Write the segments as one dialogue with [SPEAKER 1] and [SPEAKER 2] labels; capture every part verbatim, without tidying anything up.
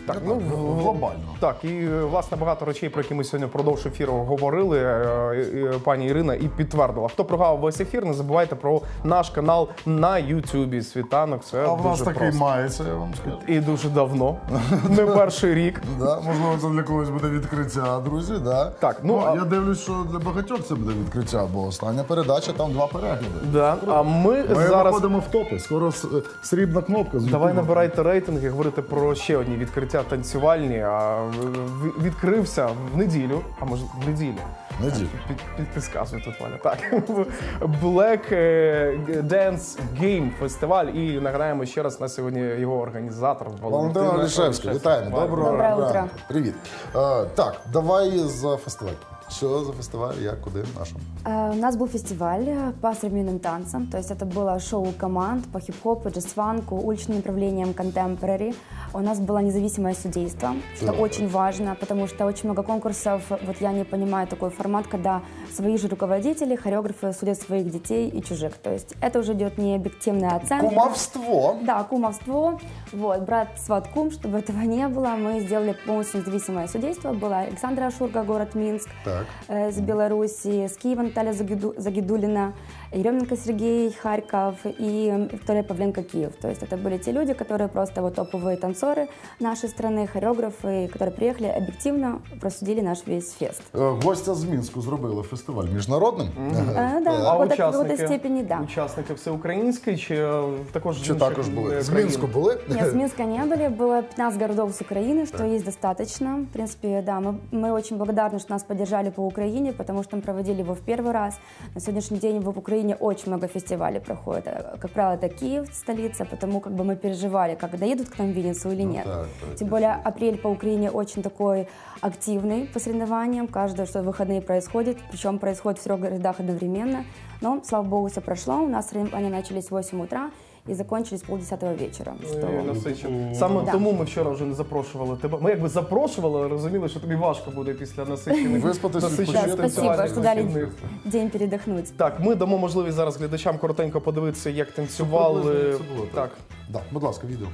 [SPEAKER 1] Так,
[SPEAKER 2] Так,
[SPEAKER 1] ну,
[SPEAKER 2] глобально.
[SPEAKER 1] Так, і власне багато речей, про які ми сьогодні впродовж ефіру говорили, е, е, пані Ірина і підтвердила. Хто прогавив весь ефір, не забувайте про наш канал на Ютубі «Світанок». Це
[SPEAKER 2] А в нас
[SPEAKER 1] дуже
[SPEAKER 2] такий
[SPEAKER 1] просто.
[SPEAKER 2] мається, я вам скажу.
[SPEAKER 1] І дуже давно, не перший рік.
[SPEAKER 2] Да, можливо, це для когось буде відкриття, друзі. Да.
[SPEAKER 1] Так, ну,
[SPEAKER 2] ну
[SPEAKER 1] а-
[SPEAKER 2] я дивлюсь, що для багатьох це буде відкриття, бо остання передача, там два перегляди.
[SPEAKER 1] Да. А ми,
[SPEAKER 2] Ми
[SPEAKER 1] зараз...
[SPEAKER 2] виходимо в топи. Скоро с- срібна кнопка. з
[SPEAKER 1] Давай
[SPEAKER 2] Ютуба.
[SPEAKER 1] набирайте рейтинги, говорити про ще одні відкриття танцювальні. А в- відкрився в неділю, а може в неділю.
[SPEAKER 2] Неділю.
[SPEAKER 1] Під, під, підказує тут Валя. Так. Black Dance Game фестиваль. І нагадаємо ще раз, на сьогодні його організатор
[SPEAKER 2] Валентина Олішевська. Вітаємо. Доброго
[SPEAKER 3] Доброе
[SPEAKER 2] ранку.
[SPEAKER 3] утро.
[SPEAKER 2] Привіт. Е, так, давай за фестиваль. Що за фестиваль, як, куди, нашим?
[SPEAKER 3] Э, У нас был фестиваль по современным танцам, то есть это было шоу команд по хип-хопу, джаз-фанку, уличным направлениям контемпорари. У нас было независимое судейство, что
[SPEAKER 2] Так.
[SPEAKER 3] очень важно, потому что очень много конкурсов. Вот я не понимаю такой формат, когда свои же руководители, хореографы судят своих детей и чужих. То есть это уже идет не объективная оценка.
[SPEAKER 2] Кумовство.
[SPEAKER 3] Да, кумовство. Вот, брат, сват, кум, чтобы этого не было. Мы сделали полностью независимое судейство. Была Александра Ашурга, город Минск.
[SPEAKER 2] Так.
[SPEAKER 3] э, С Беларуси, с Киева Наталья Загиду- Загидулина, Еременко Сергей, Харьков и Виктория Павленко, Киев. То есть это были те люди, которые просто вот топовые танцоры нашей страны, хореографы, которые приехали объективно, просудили наш весь фест.
[SPEAKER 2] Е, Гостя з Мінську зробили фестиваль міжнародним.
[SPEAKER 3] Э, Да,
[SPEAKER 1] А
[SPEAKER 3] в какой-то- в
[SPEAKER 1] учасники,
[SPEAKER 3] какой-то степени, да.
[SPEAKER 1] учасники всеукраїнські чи е, також з
[SPEAKER 2] Чи
[SPEAKER 1] інших,
[SPEAKER 2] також були?
[SPEAKER 1] е,
[SPEAKER 2] З
[SPEAKER 1] країн?
[SPEAKER 2] Мінську були?
[SPEAKER 3] Нет, с Минска не были. Было пятнадцать городов с Украины, что есть достаточно. В принципе, да, мы, мы очень благодарны, что нас поддержали по Украине, потому что мы проводили его в первый раз. На сегодняшний день в Украине очень много фестивалей проходит. Э, Как правило, это Киев, столица, потому как бы мы переживали, как доедут к нам в Винницу или нет.
[SPEAKER 2] так, так,
[SPEAKER 3] Тем более апрель по Украине очень такой активный по соревнованиям. Каждые что выходные происходит, причем происходит в трех городах одновременно. Но, слава богу, все прошло. У нас соревнования начались в восемь утра и закончились полдесятого вечера. Что...
[SPEAKER 1] Ой, насичено. Саме
[SPEAKER 3] Да.
[SPEAKER 1] тому ми вчора вже не запрошували тебе. Ми якби запрошували, але розуміли, що тобі важко буде після насичених
[SPEAKER 2] Виспатись,
[SPEAKER 1] насичених
[SPEAKER 2] відпочити.
[SPEAKER 3] Да, спасибо,
[SPEAKER 1] танцювальних
[SPEAKER 3] что дали
[SPEAKER 1] вихідних.
[SPEAKER 3] день передохнуть.
[SPEAKER 1] Так, ми дамо можливість зараз глядачам коротенько подивитися, як танцювали.
[SPEAKER 2] приблизно, як це було,
[SPEAKER 1] Так.
[SPEAKER 2] так. Да, будь ласка, відео.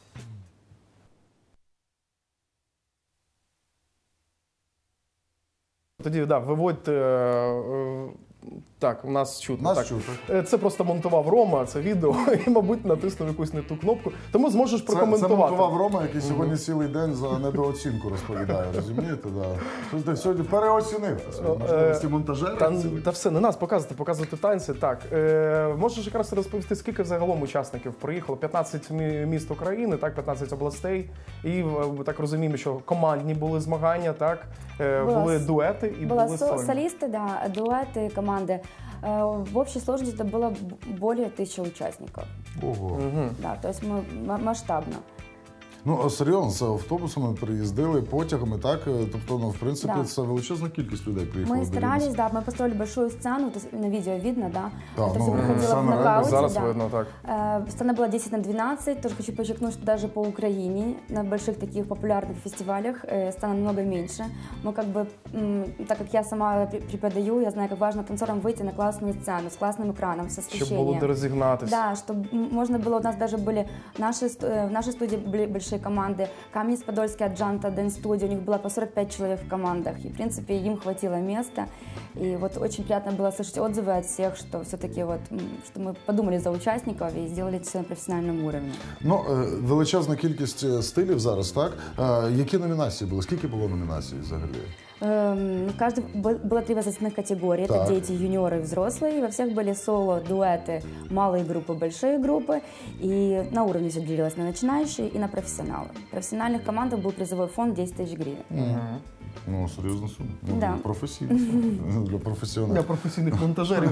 [SPEAKER 1] Тоді, да, виводьте. е, Так, у нас чутно.
[SPEAKER 2] Нас
[SPEAKER 1] так.
[SPEAKER 2] чутно.
[SPEAKER 1] Е, Це просто монтував Рома, це відео, і, мабуть, натиснув якусь не ту кнопку. Тому зможеш
[SPEAKER 2] Це, це
[SPEAKER 1] прокоментувати.
[SPEAKER 2] монтував Рома, який сьогодні цілий день за недооцінку розповідає, розумієте? Да. Що ти сьогодні переоцінив свої можливості монтажера.
[SPEAKER 1] Та,
[SPEAKER 2] цілий.
[SPEAKER 1] та все, не нас показувати, показувати танці. Так, е, можеш якраз розповісти, скільки загалом учасників приїхало? п'ятнадцять мі- міст України, так, п'ятнадцять областей. І е, так розуміємо, що командні були змагання, так, е,
[SPEAKER 3] Була
[SPEAKER 1] були
[SPEAKER 3] с-
[SPEAKER 1] дуети і
[SPEAKER 3] Было
[SPEAKER 1] були
[SPEAKER 3] со-
[SPEAKER 1] сольні.
[SPEAKER 3] солисты, да, дуэты, команды. Э, В общей сложности это было б- более тысячи участников.
[SPEAKER 2] Ого.
[SPEAKER 3] Да, то есть мы м- масштабно.
[SPEAKER 2] Ну, а серйозно, це автобусами приїздили, потягами, так? Тобто, ну, в принципі,
[SPEAKER 3] Да.
[SPEAKER 2] це величезна кількість людей приїхала.
[SPEAKER 3] Мы
[SPEAKER 2] до
[SPEAKER 3] старались,
[SPEAKER 2] Вінниці.
[SPEAKER 3] да, мы построили большую сцену, то есть на видео видно, да.
[SPEAKER 2] Да,
[SPEAKER 3] это
[SPEAKER 2] ну,
[SPEAKER 3] все проходило в
[SPEAKER 2] сцена реально
[SPEAKER 3] нокауте,
[SPEAKER 1] Зараз
[SPEAKER 3] да.
[SPEAKER 1] видно, так.
[SPEAKER 3] Э, Сцена была десять на двенадцать. Тоже хочу подчеркнуть, что даже по Украине на больших таких популярных фестивалях э, сцена намного меньше. Мы как бы, м, так как я сама пре- преподаю, я знаю, как важно танцорам выйти на классную сцену с классным экраном, со
[SPEAKER 1] Щоб було
[SPEAKER 3] освещением.
[SPEAKER 1] де розігнатися.
[SPEAKER 3] Да, чтобы м, можно было, у нас даже были наши, ст- э, в нашей студии были большие команды. Каменец-Подольский, Аджанта, Дэнс студия, у них было по сорок пять человек в командах. И, в принципе, им хватило места. И вот очень приятно было слышать отзывы от всех, что все-таки вот, м, что мы подумали за участников и сделали все на профессиональном уровне.
[SPEAKER 2] Ну, е, величезна кількість е, стилів зараз, так? Е, Які номінації були? Скільки було номінацій взагалі?
[SPEAKER 3] Эм, в каждой бы- было три возрастных категории.
[SPEAKER 2] Так.
[SPEAKER 3] Это дети, юниоры и взрослые. Во всех были соло, дуэты, малые группы, большие группы. И на уровне все делилось на начинающие и на профессионалы. В профессиональных командах был призовой фонд десять тысяч гривен.
[SPEAKER 2] Ну, серйозна сума. Ну,
[SPEAKER 3] Да.
[SPEAKER 2] професійна сума. Для
[SPEAKER 1] Для
[SPEAKER 2] професіоналів.
[SPEAKER 1] професійних монтажерів.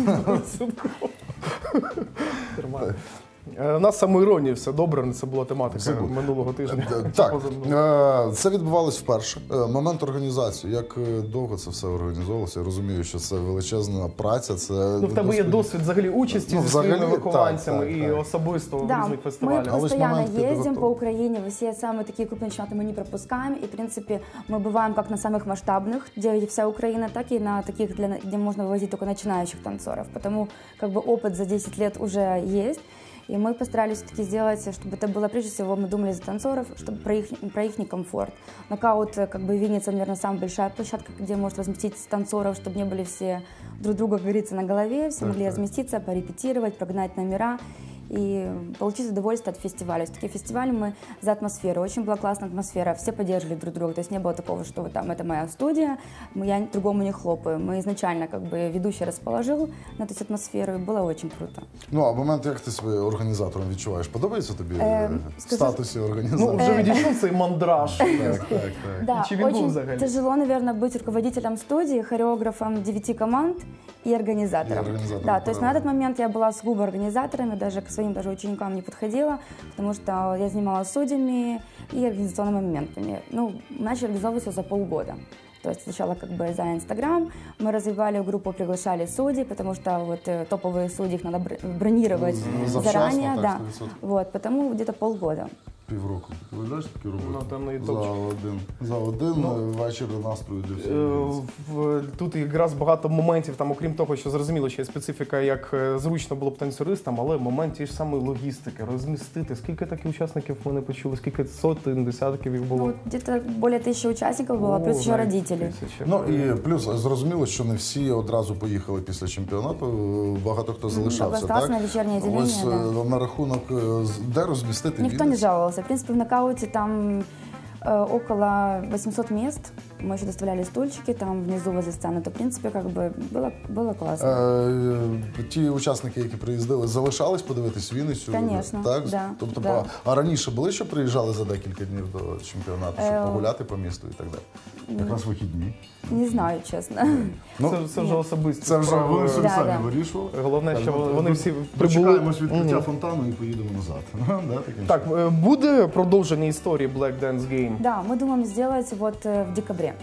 [SPEAKER 1] Нормально. Е, У нас самоіронія, все добре, це була тематика
[SPEAKER 2] Все буде.
[SPEAKER 1] минулого тижня.
[SPEAKER 2] Е, Так, е, це відбувалось вперше. Е, Момент організації. Як е, довго це все організовувалося? Я розумію, що це величезна праця. Це
[SPEAKER 1] Ну, в тебе є досвід взагалі участі
[SPEAKER 2] Ну,
[SPEAKER 1] зі
[SPEAKER 2] взагалі,
[SPEAKER 1] своїми
[SPEAKER 2] так,
[SPEAKER 1] вихованцями
[SPEAKER 2] так,
[SPEAKER 1] і
[SPEAKER 2] так.
[SPEAKER 1] особисто в
[SPEAKER 3] Да,
[SPEAKER 1] різних
[SPEAKER 3] мы
[SPEAKER 1] фестивалях.
[SPEAKER 2] А ось
[SPEAKER 3] постоянно
[SPEAKER 2] момент
[SPEAKER 3] ездим
[SPEAKER 2] підготовки.
[SPEAKER 3] по Украине, все самые такие крупные чемпионаты мы не пропускаем. И, в принципе, мы бываем как на самых масштабных, где вся Украина, так и на таких, для, где можно вывозить только начинающих танцоров. Потому как бы опыт за десять лет уже есть. И мы постарались все-таки сделать, чтобы это было, прежде всего, мы думали за танцоров, чтобы про их, про их комфорт. Нокаут, как бы, Винница, наверное, самая большая площадка, где может разместить танцоров, чтобы не были все друг друга, как говорится, на голове, все
[SPEAKER 2] так,
[SPEAKER 3] могли
[SPEAKER 2] так.
[SPEAKER 3] разместиться, порепетировать, прогнать номера и получить удовольствие от фестиваля. Все-таки фестиваль мы за атмосферу. Очень была классная атмосфера, все поддерживали друг друга. То есть не было такого, что вот там это моя студия, я другому не хлопаю. Мы изначально, как бы, ведущий расположил на эту атмосферу, и было очень круто.
[SPEAKER 2] Ну, а момент, як ти себе організатором відчуваєш? Подобається тобі
[SPEAKER 3] Е,
[SPEAKER 2] в
[SPEAKER 3] скажу-
[SPEAKER 2] статусі
[SPEAKER 1] Ну,
[SPEAKER 2] організатора?
[SPEAKER 1] вже відійшов цей мандраж.
[SPEAKER 2] Так, так, так.
[SPEAKER 3] Да,
[SPEAKER 1] Чи він був
[SPEAKER 3] очень
[SPEAKER 1] взагалі?
[SPEAKER 3] тяжело, наверное, быть руководителем студии, хореографом девяти команд и организатором.
[SPEAKER 2] И организатором,
[SPEAKER 3] Да, то есть на
[SPEAKER 2] правильно.
[SPEAKER 3] этот момент я была сугубо организатором, даже к своим даже ученикам не подходила, потому что я занималась судьями и организационными моментами. Ну, начали организовываться за полгода. То есть сначала как бы за Инстаграм мы развивали группу, приглашали судей, потому что вот э, топовые судьи их надо бр- бронировать
[SPEAKER 2] Ну, завчасно,
[SPEAKER 3] заранее,
[SPEAKER 2] так,
[SPEAKER 3] да.
[SPEAKER 2] сто відсотків.
[SPEAKER 3] Вот, потому где-то полгода.
[SPEAKER 2] Півроку. Ти ведеш такі роботи?
[SPEAKER 1] Ну, там і
[SPEAKER 2] за
[SPEAKER 1] топчик.
[SPEAKER 2] один. За один
[SPEAKER 1] Ну,
[SPEAKER 2] вечір настрою для
[SPEAKER 1] Е,
[SPEAKER 2] всіх.
[SPEAKER 1] в- Тут якраз багато моментів, там, окрім того, що зрозуміло, що є специфіка, як е, зручно було б танцюристам, але момент тієї ж самої логістики, розмістити. Скільки таких учасників ми не почули, скільки сотень, десятків їх
[SPEAKER 3] Ну,
[SPEAKER 1] було?
[SPEAKER 3] вот где-то более тысячи участников было,
[SPEAKER 1] О,
[SPEAKER 3] плюс еще
[SPEAKER 1] навіть
[SPEAKER 3] родители.
[SPEAKER 1] тисяча.
[SPEAKER 2] Ну і плюс зрозуміло, що не всі одразу поїхали після чемпіонату. Багато хто залишався.
[SPEAKER 3] остался
[SPEAKER 2] Так?
[SPEAKER 3] на вечірнє відділення,
[SPEAKER 2] Ось
[SPEAKER 3] да.
[SPEAKER 2] е, на рахунок, е, з- де розмістити
[SPEAKER 3] Никто не
[SPEAKER 2] Вінницю?
[SPEAKER 3] жаловался. В принципе, в нокауте там э, около восьмисот мест. Мы еще доставляли стульчики там внизу возле сцены. То, в принципе, как бы было, было классно.
[SPEAKER 2] Е, Ті учасники, які приїздили, залишались подивитись Вінницю?
[SPEAKER 3] Конечно,
[SPEAKER 2] Так?
[SPEAKER 3] да,
[SPEAKER 2] Тобто,
[SPEAKER 3] да.
[SPEAKER 2] по- а раніше були, що приїжджали за декілька днів до чемпіонату, щоб
[SPEAKER 3] Е,
[SPEAKER 2] погуляти по місту і так далі? Якраз вихідні.
[SPEAKER 3] Не знаю, чесно.
[SPEAKER 2] Ну,
[SPEAKER 1] Це, це вже особисто.
[SPEAKER 2] це вже вони собі
[SPEAKER 3] Да,
[SPEAKER 2] самі
[SPEAKER 3] да.
[SPEAKER 2] вирішували.
[SPEAKER 1] Головне, що
[SPEAKER 2] Так,
[SPEAKER 1] вони
[SPEAKER 2] ну,
[SPEAKER 1] всі прибули.
[SPEAKER 2] Дочекаємось відкриття
[SPEAKER 1] Мгм.
[SPEAKER 2] фонтану і поїдемо назад. Да, таким
[SPEAKER 1] Так,
[SPEAKER 2] чином.
[SPEAKER 1] е, буде продовження історії Black Dance Game?
[SPEAKER 3] Да, мы думаем сделать вот э, в декабре.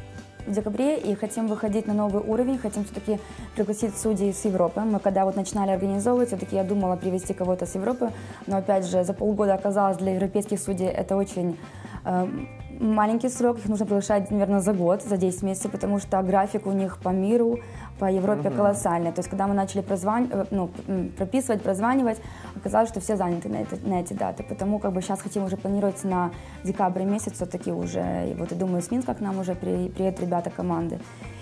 [SPEAKER 3] В декабре и хотим выходить на новый уровень, хотим все-таки пригласить судей с Европы. Мы когда вот начинали организовывать, все-таки я думала привезти кого-то с Европы, но опять же за полгода оказалось для европейских судей это очень э, маленький срок, их нужно приглашать, наверное, за год, за десять месяцев, потому что график у них по миру, по Европе колоссальный. То есть когда мы начали прозвань, э, ну, м, прописывать, прозванивать, оказалось, что все заняты на, это, на эти даты. Потому как бы сейчас хотим уже планировать на декабрь месяц все-таки уже. И вот и думаю, с Минска к нам уже при, приедут ребята команды.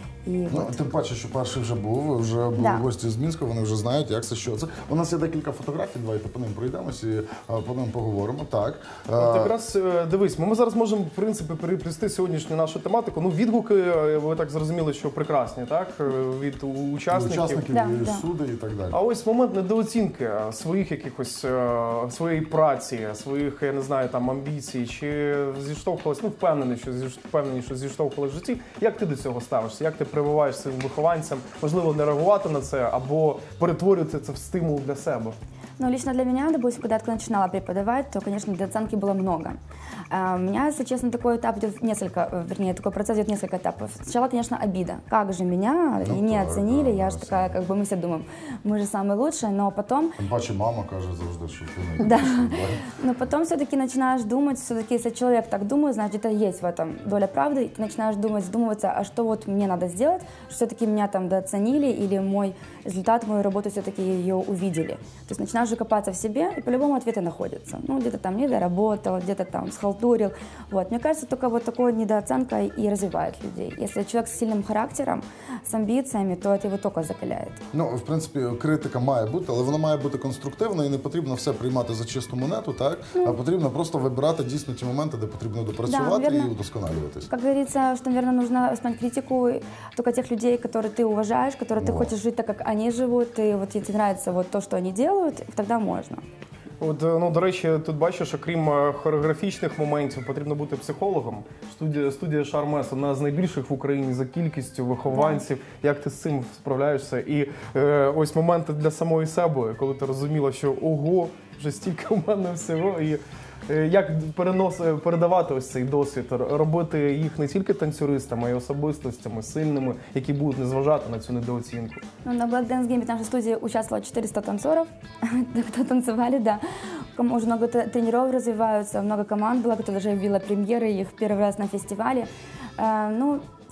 [SPEAKER 3] И
[SPEAKER 2] Ну,
[SPEAKER 3] вот.
[SPEAKER 2] тим паче, що перший вже був, вже були
[SPEAKER 3] Да.
[SPEAKER 2] гості з Мінська, вони вже знають, як це, що це. У нас є декілька фотографій, давайте по ним пройдемось і а, по ним поговоримо. Так.
[SPEAKER 1] От
[SPEAKER 2] Е,
[SPEAKER 1] якраз е, дивись, ми зараз можемо в принципі переплісти сьогоднішню нашу тематику. Ну, відгуки, е, ви так зрозуміли, що прекрасні, так? Е, Від у- учасників.
[SPEAKER 2] Учасників,
[SPEAKER 3] Да,
[SPEAKER 2] і
[SPEAKER 3] да.
[SPEAKER 2] суди і так далі.
[SPEAKER 1] А ось момент недооцінки своїх якихось е, своєї праці, своїх, я не знаю, там амбіцій, чи зіштовхувалась, ну впевнений, що зіш- впевнені, що зіштовхувалась в житті. Як ти до цього ставишся? Як ти прививаєш своїм вихованцям, можливо, не реагувати на це або перетворювати це в стимул для себе?
[SPEAKER 3] Ну, лично для меня, допустим, когда я только начинала преподавать, то, конечно, недооценки было много. А, У меня, если честно, такой этап идет несколько, э, вернее, такой процесс идет несколько этапов. Сначала, конечно, обида. Как же меня
[SPEAKER 2] Ну
[SPEAKER 3] и не
[SPEAKER 2] так,
[SPEAKER 3] оценили?
[SPEAKER 2] да,
[SPEAKER 3] Я
[SPEAKER 2] да,
[SPEAKER 3] же такая, как бы мы все думаем, мы же самые лучшие, но потом
[SPEAKER 2] Тим паче мама каже завжди, що ти не
[SPEAKER 3] Да.
[SPEAKER 2] да.
[SPEAKER 3] Но потом все-таки начинаешь думать, все-таки если человек так думает, значит, это есть в этом доля правды, и ты начинаешь думать, задумываться, а что вот мне надо сделать, что все-таки меня там дооценили, или мой результат, мою работу все-таки ее увидели. То есть начинаешь же копаться в себе, и по-любому ответы находятся. Ну, где-то там не доработал, где-то там схалтурил. Вот. Мне кажется, только вот такой недооценка и развивает людей. Если человек с сильным характером, с амбициями, то это его только закаляет.
[SPEAKER 2] Ну, в принципі, критика має бути, але вона має бути конструктивна і не потрібно все приймати за чисту монету, так? А потрібно просто вибирати дійсно ті моменти, де потрібно допрацювати
[SPEAKER 3] Да,
[SPEAKER 2] і
[SPEAKER 3] вірно.
[SPEAKER 2] удосконалюватись.
[SPEAKER 3] Как говорится, что, наверное, нужно воспринимать критику только тех людей, которые ты уважаешь, которые ты
[SPEAKER 2] Вот.
[SPEAKER 3] хочешь жить так, как они живут, и вот тебе нравится вот то, что они делают, тогда можно.
[SPEAKER 1] От, е, ну, до речі, тут бачиш, окрім е, хореографічних моментів, потрібно бути психологом. Студія, студія Шармес одна з найбільших в Україні за кількістю вихованців. Як ти з цим справляєшся? І е, ось моменти для самої себе, коли ти розуміла, що ого, вже стільки в мене всього. І е, як перенос, е, передавати ось цей досвід, р- робити їх не тільки танцюристами, а й особистостями, сильними, які будуть не зважати на цю недооцінку.
[SPEAKER 3] Ну, на Black Dance Game в нашей студии участвовало четыреста танцоров, кто танцевали, да. Кому уже много т- тренеров развиваются, много команд было, кто даже вела премьеры их первый раз на фестивале. Э, Ну,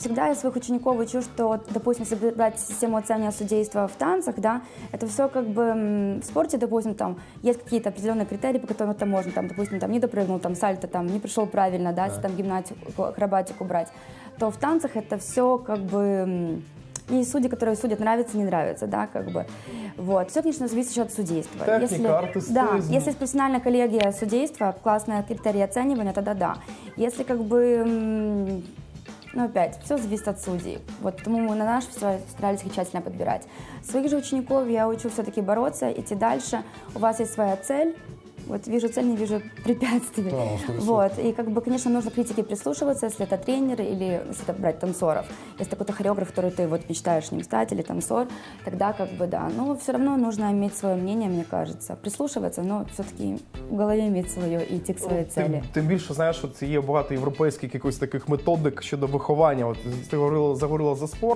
[SPEAKER 3] всегда я своих учеников учу, что, вот, допустим, если брать систему оценивания судейства в танцах, да, это все как бы м, в спорте, допустим, там есть какие-то определенные критерии, по которым это можно, там, допустим, там не допрыгнул, там сальто, там не пришел правильно, да, если там гимнастику, акробатику брать, то в танцах это все как бы м, есть судьи, которые судят, нравится, не нравится, да, как бы. Вот. Все, конечно, зависит еще от судейства.
[SPEAKER 1] Техника,
[SPEAKER 3] если,
[SPEAKER 1] артистизм.
[SPEAKER 3] да, если есть профессиональная коллегия судейства, классные критерии оценивания, тогда да. Если как бы, м, ну опять, все зависит от судей. Вот потому мы на наш фестиваль старались их тщательно подбирать. Своих же учеников я учу все-таки бороться, идти дальше. У вас есть своя цель. Вот вижу цель, не вижу препятствий.
[SPEAKER 2] Да, ну, сто процентов.
[SPEAKER 3] Вот. И как бы, конечно, нужно к критике прислушиваться, если это тренер или если это брать танцоров. Если какой-то хореограф, который ты вот мечтаешь ним стать, или танцор, тогда как бы да. Но все равно нужно иметь свое мнение, мне кажется. Прислушиваться, но все-таки в голові иметь своє і йти к своїй цілі.
[SPEAKER 1] Тим, тим більше, знаєш, от є багато європейських якихось таких методик щодо виховання. От ти говорила, заговорила за спорт.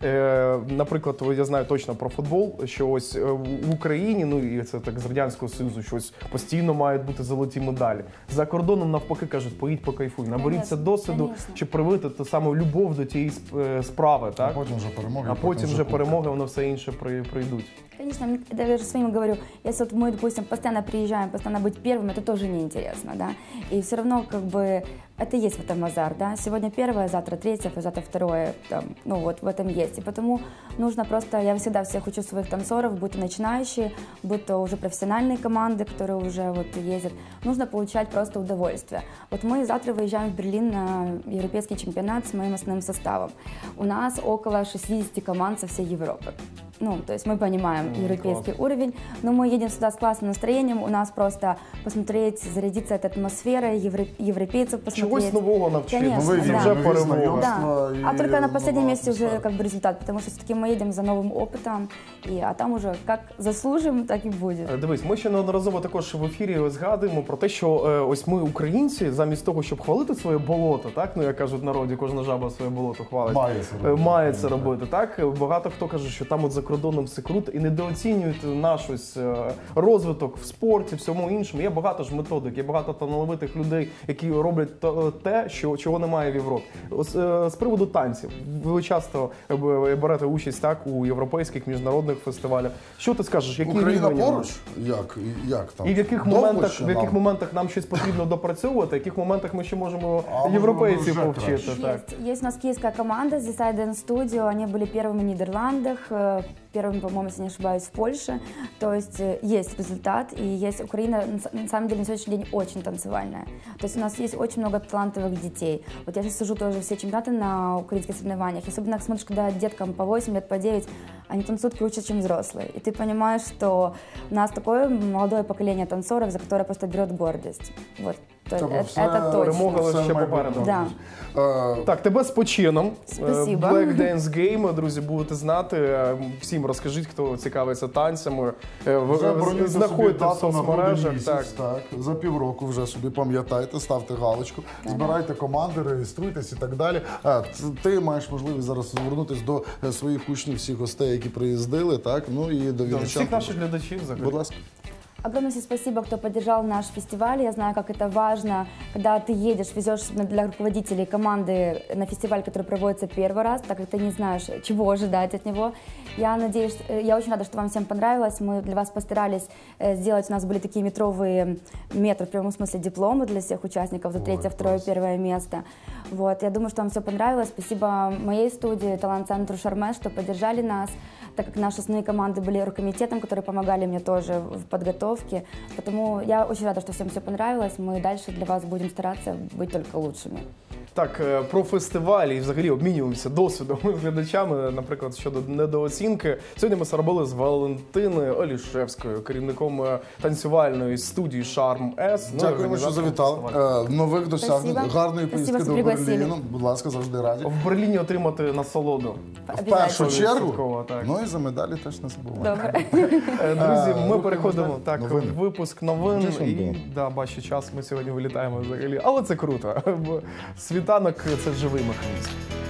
[SPEAKER 1] Е, наприклад, я знаю точно про футбол, що ось в Україні, ну і це так з Радянського Союзу, що ось постійно мають бути золоті медалі. За кордоном навпаки кажуть, поїдь покайфуй, наберіться
[SPEAKER 3] Конечно,
[SPEAKER 1] досвіду,
[SPEAKER 3] конечно.
[SPEAKER 1] чи привити ту саму любов до тієї сп- справи,
[SPEAKER 2] А
[SPEAKER 1] так?
[SPEAKER 2] потім вже перемоги.
[SPEAKER 1] А потім вже
[SPEAKER 2] кубки.
[SPEAKER 1] перемоги, воно все інше при- прийдуть.
[SPEAKER 3] Конечно, мне- я даже своим говорю, если вот мы, допустим, постоянно приезжаем, постоянно быть первым, это тоже неинтересно, да, и все равно как бы это есть в этом азарт, да, сегодня первое, завтра третье, завтра второе, там, ну вот в этом есть, и потому нужно просто, я всегда всех учу своих танцоров, будь то начинающие, будь то уже профессиональные команды, которые уже вот ездят, нужно получать просто удовольствие. Вот мы завтра выезжаем в Берлин на европейский чемпионат с моим основным составом, у нас около шестьдесят команд со всей Европы. Ну, то есть мы понимаем
[SPEAKER 1] Ну,
[SPEAKER 3] европейский
[SPEAKER 1] класс.
[SPEAKER 3] уровень, но мы едем сюда с классным настроением, у нас просто посмотреть, зарядиться этой атмосферой, евро- европейцев посмотреть.
[SPEAKER 1] Чогось нового навчити.
[SPEAKER 3] Конечно,
[SPEAKER 2] Нові
[SPEAKER 3] да.
[SPEAKER 1] Вже
[SPEAKER 2] нові
[SPEAKER 1] перемога.
[SPEAKER 2] знайомства
[SPEAKER 3] Да.
[SPEAKER 2] і
[SPEAKER 3] А только на последнем
[SPEAKER 2] нова
[SPEAKER 3] месте уже
[SPEAKER 2] атмосфера.
[SPEAKER 3] как бы результат, потому что все-таки мы едем за новым опытом, и, а там уже как заслужим, так и будет.
[SPEAKER 1] Е, Дивись, ми ще неодноразово також в ефірі згадуємо про те, що е, ось ми, українці, замість того, щоб хвалити своє болото, так, ну як кажуть в народі, кожна жаба своє болото хвалить.
[SPEAKER 2] Має це
[SPEAKER 1] Е,
[SPEAKER 2] робити.
[SPEAKER 1] Має це робити, так. Багато хто каже, що там от за кордоном все круто і недооцінюють наш ось е, розвиток в спорті, всьому іншому. Є багато ж методик, є багато талановитих людей, які роблять то- те, що, чого немає в Європі. Ось, е, з приводу танців. Ви часто е, б- берете участь так у європейських міжнародних фестивалях. Що ти скажеш? Які
[SPEAKER 2] Україна
[SPEAKER 1] рівень у нас?
[SPEAKER 2] поруч? Як? Як там?
[SPEAKER 1] І в яких
[SPEAKER 2] Довго
[SPEAKER 1] моментах,
[SPEAKER 2] ще
[SPEAKER 1] в яких
[SPEAKER 2] нам?
[SPEAKER 1] моментах нам щось потрібно допрацьовувати, в яких моментах ми ще можемо
[SPEAKER 2] А, можливо,
[SPEAKER 1] європейців
[SPEAKER 2] вже
[SPEAKER 1] повчити.
[SPEAKER 2] краще.
[SPEAKER 1] Так.
[SPEAKER 3] Есть, есть у нас киевская команда The Dance Studio, они были первыми в Нидерландах, э, первыми, по-моему, если не ошибаюсь, в Польше. То есть э, есть результат, и есть Украина, на с- на самом деле, на сегодняшний день очень танцевальная. То есть у нас есть очень много талантливых детей. Вот я сейчас сижу тоже все чемпионаты на украинских соревнованиях, особенно смотришь, когда деткам по восемь лет, по девять, они танцуют круче, чем взрослые. И ты понимаешь, что у нас такое молодое поколение танцоров, за которое просто берет гордость. Вот. То есть
[SPEAKER 2] Тобто
[SPEAKER 3] это,
[SPEAKER 2] все-
[SPEAKER 3] это точно.
[SPEAKER 1] перемога
[SPEAKER 2] все
[SPEAKER 1] ще
[SPEAKER 2] має
[SPEAKER 1] попереду.
[SPEAKER 2] бути.
[SPEAKER 3] Да.
[SPEAKER 2] Е,
[SPEAKER 1] Так, тебе з почином.
[SPEAKER 3] Спасибо.
[SPEAKER 1] Е, Black Dance Game, друзі, будете знати. Е, Всім розкажіть, хто цікавиться танцями. Е, ви-
[SPEAKER 2] Вже
[SPEAKER 1] ви
[SPEAKER 2] бронюйте собі
[SPEAKER 1] Знаходьте в
[SPEAKER 2] дату на грудень
[SPEAKER 1] соцмережах.
[SPEAKER 2] місяць,
[SPEAKER 1] Так.
[SPEAKER 2] так. За півроку вже собі пам'ятайте, ставте галочку, збирайте команди, реєструйтесь і так далі. А, т- ти маєш можливість зараз звернутися до е, своїх учнів, всіх гостей, які приїздили, так, ну і до
[SPEAKER 1] До
[SPEAKER 2] вінничан.
[SPEAKER 1] всіх наших глядачів взагалі.
[SPEAKER 2] Будь ласка.
[SPEAKER 3] Огромное всем спасибо, кто поддержал наш фестиваль. Я знаю, как это важно, когда ты едешь, везешь особенно для руководителей команды на фестиваль, который проводится первый раз, так как ты не знаешь, чего ожидать от него. Я надеюсь, э, я очень рада, что вам всем понравилось. Мы для вас постарались э, сделать, у нас были такие метровые метры, в прямом смысле дипломы для всех участников за
[SPEAKER 2] Ой,
[SPEAKER 3] третье, второе,
[SPEAKER 2] класс.
[SPEAKER 3] первое место. Вот, я думаю, что вам все понравилось. Спасибо моей студии, талант-центру «Шарме», что поддержали нас, так как наши основные команды были рукомитетом, которые помогали мне тоже в подготовке. Потому я очень рада, что всем все понравилось. Мы дальше для вас будем стараться быть только лучшими.
[SPEAKER 1] Так, е, про фестиваль і взагалі обмінюємося досвідом з глядачами, наприклад, щодо недооцінки. Сьогодні ми робили з Валентиною Олішевською, керівником е, танцювальної студії Шарм С. ну, і
[SPEAKER 2] Дякуємо, що
[SPEAKER 1] організатором
[SPEAKER 2] завітали.
[SPEAKER 1] фестивалю.
[SPEAKER 2] Е, Нових досягнень,
[SPEAKER 3] Спасибо.
[SPEAKER 2] гарної
[SPEAKER 3] Спасибо,
[SPEAKER 2] поїздки
[SPEAKER 3] що
[SPEAKER 2] до
[SPEAKER 3] пригласили.
[SPEAKER 2] Берліну. Будь ласка, завжди раді.
[SPEAKER 1] В Берліні отримати насолоду.
[SPEAKER 2] В першу
[SPEAKER 3] Обязательно.
[SPEAKER 2] чергу,
[SPEAKER 1] Відсотково, так.
[SPEAKER 2] ну і за медалі теж не забувайте.
[SPEAKER 3] Добре.
[SPEAKER 1] Е, Друзі, ми
[SPEAKER 2] рухаємось
[SPEAKER 1] переходимо
[SPEAKER 2] далі.
[SPEAKER 1] так
[SPEAKER 2] Новини.
[SPEAKER 1] в випуск новин.
[SPEAKER 2] Джейсон
[SPEAKER 1] І
[SPEAKER 2] Бond.
[SPEAKER 1] да, бачу час, ми сьогодні вилітаємо взагалі. Але це круто. Бо світанок це живий механізм.